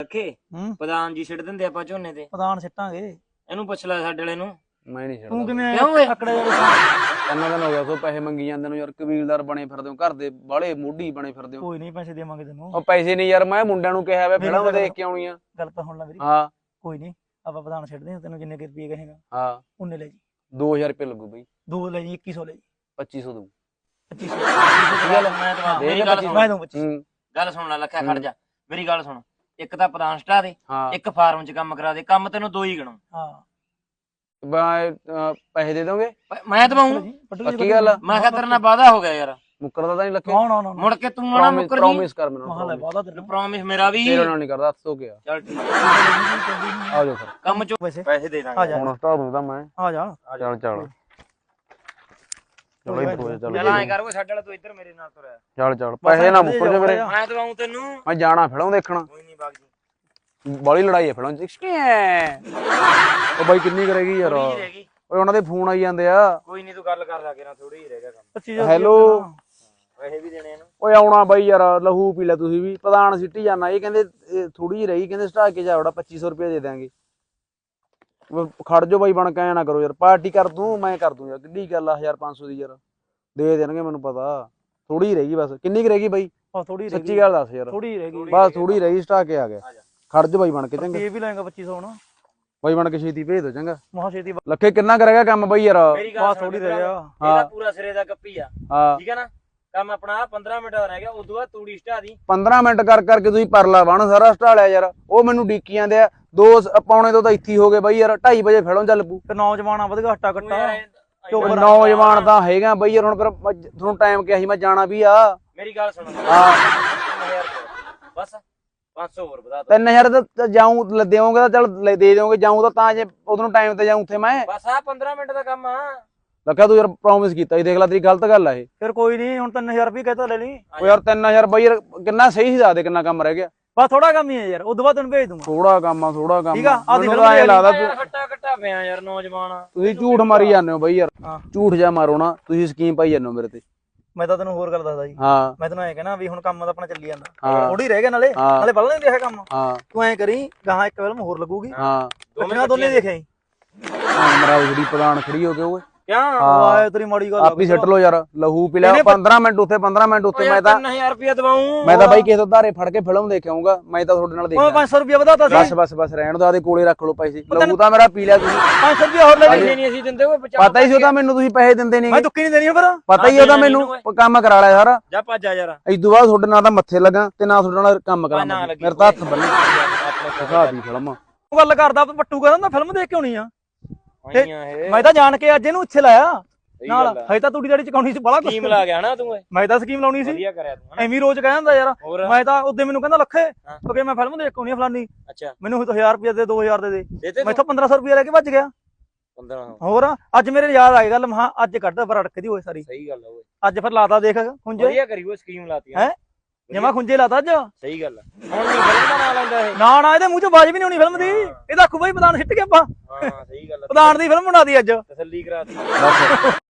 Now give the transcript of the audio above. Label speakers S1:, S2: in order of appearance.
S1: ਰੱਖੇ ਪ੍ਰਧਾਨ ਜੀ ਛੱਡ ਦਿੰਦੇ ਆਪਾਂ ਝੋਨੇ ਤੇ
S2: ਪ੍ਰਧਾਨ ਸਿੱਟਾਂਗੇ
S1: ਇਹਨੂੰ ਪੁੱਛ ਲੈ ਸਾਡੇ ਵਾਲੇ ਨੂੰ।
S3: ਮੈਂ ਨਹੀਂ
S2: ਤੂੰ
S3: ਛੱਡਦਾ
S2: ਕਿਵੇਂ
S1: ਕਿਉਂ ਓਏ?
S2: ਅਕੜੇ
S3: ਇੰਨਾ ਦਿਨ ਹੋ ਗਿਆ ਸੋ ਪੈਸੇ ਮੰਗੀ ਜਾਂਦੇ ਨੂੰ ਯਾਰ, ਕਬੀਲਦਾਰ ਬਣੇ ਫਿਰਦੇ ਹੋ, ਘਰ ਦੇ ਬਾਹਲੇ ਮੋਢੀ ਬਣੇ ਫਿਰਦੇ ਹੋ।
S2: ਕੋਈ ਨਹੀਂ ਪੈਸੇ ਦੇਵਾਂਗੇ ਤੈਨੂੰ।
S3: ਉਹ ਪੈਸੇ ਨਹੀਂ ਯਾਰ, ਮੈਂ ਮੁੰਡਿਆਂ ਨੂੰ ਕਿਹਾ ਵੇ ਫਿਲਮ ਦੇਖ ਕੇ ਆਉਣੀ ਆ।
S2: ਗੱਲ ਤਾਂ ਹੁਣ ਲੈ ਮੇਰੀ।
S3: ਹਾਂ
S2: ਕੋਈ ਨਹੀਂ ਆਪਾਂ ਪ੍ਰਧਾਨ ਛੱਡਦੇ ਹਾਂ, ਤੈਨੂੰ ਜਿੰਨੇ ਕੁ ਰੁਪਏ ਕਹੇਗਾ
S3: ਹਾਂ
S2: ਉਹਨੇ ਲੈ ਜੀ।
S3: 2000 ਰੁਪਏ ਲੱਗੂ ਬਈ।
S2: 2 ਲੈ ਜੀ, 2100 ਲੈ ਜੀ।
S3: 2500 ਦਊ।
S2: 2500
S1: ਮੈਂ ਤਾਂ
S3: ਦੇ
S1: ਮੇਰੀ
S3: ਦੇ
S1: ਗੱਲ
S3: 25
S1: ਸੁਣ,
S2: ਮੈਂ ਦਊਂ 2500।
S1: ਗੱਲ ਸੁਣ ਲੈ ਲੱਖਿਆ, ਖੜ ਜਾ ਮੇਰੀ ਗੱਲ ਸੁਣ। ਇੱਕ ਤਾਂ ਪ੍ਰਧਾਨ ਸਟਾ ਦੇ,
S3: ਹਾਂ
S1: ਇੱਕ ਫਾਰਮ 'ਚ ਕੰਮ ਕਰਾ ਦੇ। ਕੰਮ ਤੈਨੂੰ 2 ਹੀ ਗਣੋ।
S2: ਹਾਂ
S3: ਪੈਸੇ ਦੇ ਦੋਗੇ?
S1: ਮੈਂ ਦਵਾਉਂ।
S3: ਪੱਕੀ ਗੱਲ ਆ?
S1: ਮੈਂ ਕਿਹਾ ਤੇਰੇ ਨਾਲ ਵਾਦਾ ਹੋ ਗਿਆ ਯਾਰ,
S3: ਮੁੱਕਰਦਾ ਤਾਂ ਨਹੀਂ ਲੱਖੇ?
S2: ਨਾ ਨਾ
S1: ਮੁੜ ਕੇ ਤੂੰ ਨਾ ਮੁੱਕਰ ਜੀ।
S3: ਪ੍ਰੋਮਿਸ ਕਰ ਮੈਨੂੰ।
S2: ਮਹਾਲੇ ਵਾਦਾ ਤੇਰਾ।
S1: ਪ੍ਰੋਮਿਸ ਮੇਰਾ ਵੀ।
S3: ਤੇਰੇ ਨਾਲ ਨਹੀਂ ਕਰਦਾ, ਹੱਥ ਧੋ ਗਿਆ।
S1: ਚੱਲ ਠੀਕ
S3: ਆ ਜਾਓ ਫਿਰ,
S1: ਕੰਮ 'ਚ
S2: ਵੈਸੇ
S1: ਪੈਸੇ ਦੇ
S2: ਆ
S1: ਦਾਂਗੇ।
S2: ਜਾ
S3: ਹੁਣ ਸਟਾਰਟ ਹੁੰਦਾ ਮੈਂ।
S2: ਆ ਜਾ।
S3: ਚੱਲ ਚੱਲ ਚਲੋ ਇੱਧਰ ਹੋ ਜਾ,
S1: ਚੱਲ
S3: ਚੱਲ
S1: ਐਂ ਕਰ ਓਏ, ਸਾਡੇ ਵਾਲਾ ਤੂੰ ਇੱਧਰ ਮੇਰੇ ਨਾਲ ਤੁਰਿਆ।
S3: ਚੱਲ ਚੱਲ, ਪੈਸੇ ਨਾ ਮੁੱਕਰ ਜਾ ਮੇਰੇ।
S1: ਮੈਂ ਦਵਾਉਂ ਤੈਨੂੰ।
S3: ਮੈਂ ਜਾਣਾ ਫਿਲਮ ਦੇਖਣਾ।
S1: ਕੋਈ ਨਹੀਂ ਬਾਗ ਜੀ,
S3: ਬੜੀ ਲੜਾਈ ਹੈ ਫਿਲਮ 'ਚ। ਉਹ ਬਾਈ ਕਿੰਨੀ ਕਰੇਗੀ ਯਾਰ?
S1: ਥੋੜੀ ਰਹਿ ਗਈ।
S3: ਓਏ ਉਹਨਾਂ ਦੇ ਫੋਨ ਆਈ ਜਾਂਦੇ ਆ।
S1: ਕੋਈ ਨਹੀਂ ਤੂੰ ਗੱਲ ਕਰ ਲਾ ਕੇ ਨਾ, ਥੋੜੀ ਹੀ ਰਹਿ ਗਿਆ ਕੰਮ।
S2: 2500
S3: ਹੈਲੋ।
S1: ਪੈਸੇ ਵੀ ਦੇਣੇ ਇਹਨੂੰ।
S3: ਓਏ ਆਉਣਾ ਬਾਈ ਯਾਰ, ਲਹੂ ਪੀ ਲੈ ਤੁਸੀਂ ਵੀ। ਪ੍ਰਧਾਨ ਸਿੱਟੀ ਜਾਣਾ, ਇਹ ਕਹਿੰਦੇ ਥੋੜੀ ਜਿਹੀ ਰਹੀ, ਕਹਿੰਦੇ ਸਟਾ ਕੇ ਜਾਵੜਾ 2500 ਰੁਪਏ ਦੇ ਦਿਆਂਗੇ। ਖੜ ਜੋ ਬਾਈ, ਬਣ ਕੇ ਐ ਨਾ ਕਰੋ ਯਾਰ। ਪਾਰਟੀ ਕਰ ਦੂੰ, ਮੈਂ ਕਰ ਦੂੰ ਯਾਰ, ਕਿੱਡੀ ਗੱਲ ਆ 1500 ਦੀ ਯਾਰ। ਦੇ ਦੇਣਗੇ ਮੈਨੂੰ ਪਤਾ। ਥੋੜੀ ਰਹੀ ਬਸ। ਕਿੰਨੀ ਕੁ ਰਹਿ ਗਈ ਬਾਈ?
S2: ਥੋੜੀ
S3: ਸੱਚੀ ਗੱਲ ਦੱਸ ਯਾਰ।
S2: ਥੋੜੀ ਰਹਿ ਗਈ
S3: ਬਸ ਥੋੜੀ ਰਹੀ, ਸਟਾ ਕੇ ਆ ਗਿਆ। ਖੜ ਜੋ ਬਾਈ ਬਣ ਕੇ, ਚੰਗਾ
S2: ਇਹ ਵੀ ਲੈਂਗਾ 2500 ਹੁਣ।
S3: ਬਾਈ ਬਣ ਕੇ ਛੇਤੀ ਭੇਜ ਦੋ, ਚੰਗਾ।
S2: ਮਹਾ ਛੇਤੀ
S3: ਲੱਖੇ ਕਿੰਨਾ ਕਰੇਗਾ ਕੰਮ ਬਾਈ ਯਾਰ?
S1: ਮੇਰੀ ਗੱਲ
S2: ਥੋੜੀ ਰਹਿ ਗਿਆ।
S1: ਇਹਦਾ ਪੂਰਾ ਸਿਰੇ ਦਾ ਗੱਪੀ ਆ,
S3: ਹਾਂ
S1: ਠੀਕ ਹੈ ਨਾ। ਕੰਮ ਆਪਣਾ 15 ਮਿੰਟ ਦਾ ਰਹਿ ਗਿਆ, ਉਦੋਂ ਬਾਅਦ ਤੂੜੀ ਸਟਾ ਦੀ।
S3: 15 ਮਿੰਟ ਕਰ ਕਰਕੇ ਤੁਸੀਂ ਪਰਲਾ ਬਣ ਸਾਰਾ ਸਟਾ ਲਿਆ ਯਾਰ। ਉਹ ਮੈਨੂੰ ਡੀਕੀ ਜਾਂਦੇ ਆ। 2 ਪੌਣੇ 2 ਤਾਂ ਇੱਥੇ ਹੋ ਗਏ ਬਾਈ ਯਾਰ। 2:30 ਵਜੇ ਫਿਲਮ ਚੱਲ ਪੂ।
S2: ਤੇ ਨੌਜਵਾਨਾਂ ਵਧਗਾ ਹੱਟਾ ਕੱਟਾ।
S3: ਨੌਜਵਾਨ ਤਾਂ ਹੈਗਾ ਬਾਈ ਯਾਰ। ਹੁਣ ਫਿਰ ਤੁਹਾਨੂੰ ਟਾਈਮ ਕਿਹਾ ਸੀ, ਮੈਂ ਜਾਣਾ ਵੀ ਆ।
S1: ਮੇਰੀ ਗੱਲ ਸੁਣ,
S3: ਹਾਂ
S1: 3000 ਬਸ 500 ਹੋਰ ਵਧਾ ਦੋ।
S3: 3000 ਤਾਂ ਜਾਊਂ ਦੇਵੋਗੇ ਤਾਂ ਚੱਲ ਦੇ ਦਿਓਗੇ। ਜਾਊਂ ਤਾਂ ਜੇ ਉਦੋਂ ਟਾਈਮ ਤੇ ਜਾਊਂ ਉੱਥੇ ਮੈਂ।
S1: ਬਸ ਆ 15 ਮਿੰਟ ਦਾ ਕੰਮ ਆ।
S3: ਲੱਖਾ ਤੂੰ ਯਾਰ ਪ੍ਰੋਮਿਸ ਕੀਤਾ ਸੀ, ਦੇਖ ਲੈ ਤੇਰੀ ਗਲਤ ਗੱਲ ਆ ਇਹ।
S2: ਫਿਰ ਕੋਈ ਨਹੀਂ, ਹੁਣ 3000 ਰੁਪਏ ਕਹਤਾ ਲੈ ਲਈ।
S3: ਉਹ ਯਾਰ 3000 ਬਾਈ ਯਾਰ ਕਿੰਨਾ ਸਹੀ ਹਿਸਾਬ ਦੇ, ਕਿੰਨਾ ਕੰਮ ਰਹਿ ਗਿਆ?
S2: ਬਸ ਥੋੜਾ ਕੰਮ ਹੀ ਹੈ ਯਾਰ, ਉਦੋਂ ਬਾਅਦ ਤੈਨੂੰ ਭੇਜ ਦੂੰਗਾ।
S3: ਥੋੜਾ ਕੰਮ ਆ, ਥੋੜਾ ਕੰਮ।
S2: ਠੀਕ ਆ, ਆਹ
S3: ਮੈਨੂੰ ਤਾਂ ਐਂ ਲੱਗਦਾ
S1: ਖੱਟਾ ਖੱਟਾ ਪਿਆ ਯਾਰ ਨੌਜਵਾਨ।
S3: ਤੁਸੀਂ ਝੂਠ ਮਾਰੀ ਜਾਂਦੇ ਹੋ ਬਾਈ ਯਾਰ।
S2: ਹਾਂ।
S3: ਝੂਠ ਜਾ ਮਾਰੋ ਨਾ, ਤੁਸੀਂ ਸਕੀਮ ਪਾਈ ਜਾਂਦੇ ਹੋ ਮੇਰੇ ਤੇ।
S2: ਮੈਂ ਤਾਂ ਤੈਨੂੰ ਹੋਰ ਗੱਲ ਦੱਸਦਾ ਜੀ।
S3: ਹਾਂ
S2: ਮੈਂ ਤੈਨੂੰ ਐਂ ਕਹਿਣਾ ਵੀ ਹੁਣ ਕੰਮ ਤਾਂ ਆਪਣਾ ਚੱਲੀ ਜਾਂਦਾ,
S3: ਹਾਂ।
S2: ਥੋੜੀ ਰਹਿ ਗਿਆ ਨਾਲੇ ਪਹਿਲਾਂ ਨਹੀਂ ਦੇਖਿਆ ਕੰਮ।
S3: ਹਾਂ
S2: ਤੂੰ ਐਂ ਕਰੀ, ਗਾਹਾਂ ਇੱਕ ਫਿਲਮ ਹੋਰ ਲੱਗੂਗੀ,
S3: ਹਾਂ
S2: ਦੋਨੇ ਦੋਨੇ ਦੇਖਿਆ ਜੀ।
S3: ਮਰਾਓ ਜਿਹੜੀ ਪ੍ਰਧਾਨ ਖੜੀ ਹੋ ਕੇ ਓਏ।
S1: ਕਿਉਂ
S2: ਆਏ ਤੇਰੀ ਮਾੜੀ ਗੱਲ
S3: ਆਪ ਹੀ ਸੱਟ ਲੋ ਯਾਰ। ਲਹੂ ਪੀ ਲਿਆ। 15 ਮਿੰਟ ਉੱਥੇ 15 ਮਿੰਟ ਉੱਥੇ। ਮੈਂ ਤਾਂ
S1: 3000 ਰੁਪਏ ਦਵਾਉਂ।
S3: ਮੈਂ ਤਾਂ ਬਾਈ ਕਿਸੇ ਤੋਂ ਧਾਰੇ ਫੜ ਕੇ ਫਿਲਮ ਦੇਖ ਆਉਂਗਾ। ਮੈਂ ਤਾਂ ਤੁਹਾਡੇ ਨਾਲ ਦੇਖ
S2: 500 ਰੁਪਏ ਵਧਾਤਾ ਸੀ।
S3: ਬਸ ਰਹਿਣ ਦੋ, ਆਦੇ ਕੋਲੇ ਰੱਖ ਲਓ ਪੈਸੇ। ਲਹੂ ਤਾਂ ਮੇਰਾ ਪੀ ਲਿਆ ਤੁਸੀਂ।
S2: 500 ਰੁਪਏ ਹੋਰ ਲੈ ਲਈ।
S1: ਪੈਸੇ ਨਹੀਂ ਅਸੀਂ ਦਿੰਦੇ ਓਏ।
S3: ਪਤਾ ਹੀ ਸੀ ਉਹਦਾ ਮੈਨੂੰ, ਤੁਸੀਂ ਪੈਸੇ ਦਿੰਦੇ ਨਹੀਂ।
S2: ਮੈਂ ਦੁੱਕੀ ਨਹੀਂ ਦੇਣੀ ਫਿਰ।
S3: ਪਤਾ ਹੀ ਉਹਦਾ ਮੈਨੂੰ, ਕੰਮ ਕਰਾ ਲਿਆ ਸਾਰਾ।
S1: ਜਾ ਭੱਜ ਜਾ ਯਾਰ।
S3: ਇਦੋਂ ਬਾਅਦ ਤੁਹਾਡੇ ਨਾਲ ਤਾਂ ਮੱਥੇ ਲੱਗਾ ਤੇ ਨਾ ਤੁਹਾਡੇ ਨਾਲ ਕੰਮ ਕਰਾਂਗਾ। ਮੇਰੇ ਤਾਂ ਹੱਥ ਬੰਨੇ ਦਿਖਾ ਦੀ ਫਿਲਮ।
S2: ਗੱਲ ਕਰਦਾ ਪੱਟੂ ਕਹਿੰਦਾ ਫਿਲਮ ਦੇਖ ਕੇ ਆਉਣੀ ਆ।
S1: ਆਈਆਂ ਇਹ
S2: ਮੈਂ ਤਾਂ ਜਾਣ ਕੇ ਅੱਜ ਇਹਨੂੰ ਇੱਥੇ ਲਾਇਆ ਨਾਲ।
S1: ਗੱਲ ਆ।
S2: ਹਜੇ ਤਾਂ ਤੂੜੀ ਦਾੜੀ ਚਕਾਉਣੀ ਸੀ ਬੜਾ ਕੁਛ।
S1: ਸਕੀਮ ਲਾ ਗਿਆ ਨਾ ਤੂੰ।
S2: ਮੈਂ ਤਾਂ ਸਕੀਮ ਲਾਉਣੀ ਸੀ।
S1: ਵਧੀਆ ਕਰਿਆ ਤੂੰ।
S2: ਐਵੇਂ ਰੋਜ਼ ਕਹਿੰਦਾ ਯਾਰ।
S1: ਹੋਰ
S2: ਮੈਂ ਤਾਂ ਉਹਦੇ ਮੈਨੂੰ ਕਹਿੰਦਾ ਲੱਖੇ ਕਿਉਂਕਿ ਮੈਂ ਫਿਲਮ ਦੇਖ ਕੇ ਆਉਣੀ ਆ ਫਲਾਨੀ।
S1: ਅੱਛਾ
S2: ਮੈਨੂੰ 1000 ਰੁਪਏ ਦੇ 2000 ਦੇ
S1: ਦੇਤੇ
S2: ਮੈਥੋਂ 1500 ਰੁਪਏ ਲੈ ਕੇ ਭੱਜ ਗਿਆ।
S1: 15
S2: ਹੋਰ ਅੱਜ ਮੇਰੇ ਯਾਦ ਆ ਗਈ ਗੱਲ। ਮਹਾ ਅੱਜ ਕੱਢ ਪਰ ਅੜਕਦੀ ਹੋਏ ਸਾਰੀ।
S1: ਸਹੀ ਗੱਲ ਆ ਓਏ।
S2: ਅੱਜ ਫਿਰ ਲਾਤਾ ਦੇਖ ਖੁੰਝੇ।
S1: ਵਧੀਆ ਕਰੀ ਓਏ, ਸਕੀਮ ਲਾਤੀ
S2: ਹੈ ਜਮਾ ਖੁੰਝੇ ਲਾਤਾ ਅੱਜ।
S1: ਸਹੀ ਗੱਲ ਆ। ਹੁਣ ਨਹੀਂ ਫਿਲਮ ਦਾ ਨਾਂ ਲੈਂਦਾ ਇਹ।
S2: ਨਾ ਇਹਦੇ ਮੂੰਹ ਚੋਂ ਬਾਜ ਵੀ ਨਹੀਂ ਆਉਣੀ ਫਿਲਮ ਦੀ। ਇਹਦਾ ਆਖੂ ਬਾਈ ਪ੍ਰਧਾਨ ਸਿੱਟ ਕੇ ਆਪਾਂ
S1: ਹਾਂ ਸਹੀ ਗੱਲ ਆ।
S2: ਪ੍ਰਧਾਨ ਦੀ ਫਿਲਮ ਬਣਾਦੀ ਅੱਜ।
S1: ਤਸੱਲੀ ਕਰਾ ਦਿੱਤੀ।